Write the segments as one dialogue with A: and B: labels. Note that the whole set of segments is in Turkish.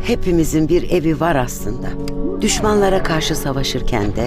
A: Hepimizin bir evi var aslında. Düşmanlara karşı savaşırken de,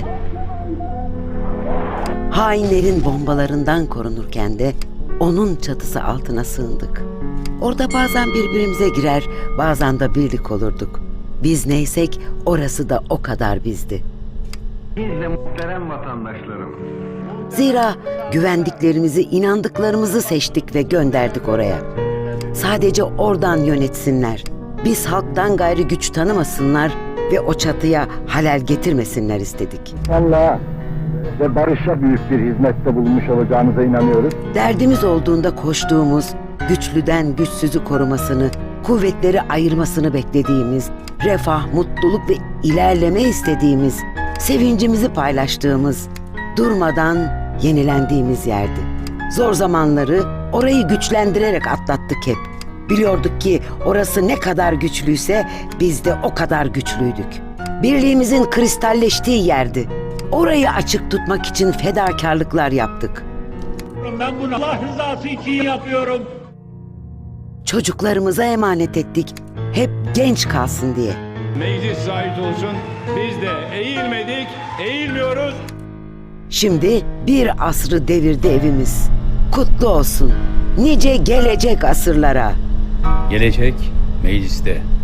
A: hainlerin bombalarından korunurken de onun çatısı altına sığındık. Orada bazen birbirimize girer, bazen de birlik olurduk. Biz neysek orası da o kadar bizdi.
B: Biz de muhterem vatandaşlarım.
A: Zira güvendiklerimizi, inandıklarımızı seçtik ve gönderdik oraya. Sadece oradan yönetsinler. Biz halktan gayrı güç tanımasınlar ve o çatıya halel getirmesinler istedik.
C: Allah'a ve barışa büyük bir hizmette bulunmuş olacağınıza inanıyoruz.
A: Derdimiz olduğunda koştuğumuz, güçlüden güçsüzü korumasını, kuvvetleri ayırmasını beklediğimiz, refah, mutluluk ve ilerleme istediğimiz, sevincimizi paylaştığımız, durmadan yenilendiğimiz yerdi. Zor zamanları orayı güçlendirerek atlattık hep. Biliyorduk ki orası ne kadar güçlüyse biz de o kadar güçlüydük. Birliğimizin kristalleştiği yerdi. Orayı açık tutmak için fedakarlıklar yaptık.
D: Ben bunu Allah rızası için yapıyorum.
A: Çocuklarımıza emanet ettik. Hep genç kalsın diye.
E: Meclis şahit olsun, biz de eğilmedik, eğilmiyoruz.
A: Şimdi bir asrı devirdi evimiz. Kutlu olsun. Nice gelecek asırlara.
F: Gelecek mecliste.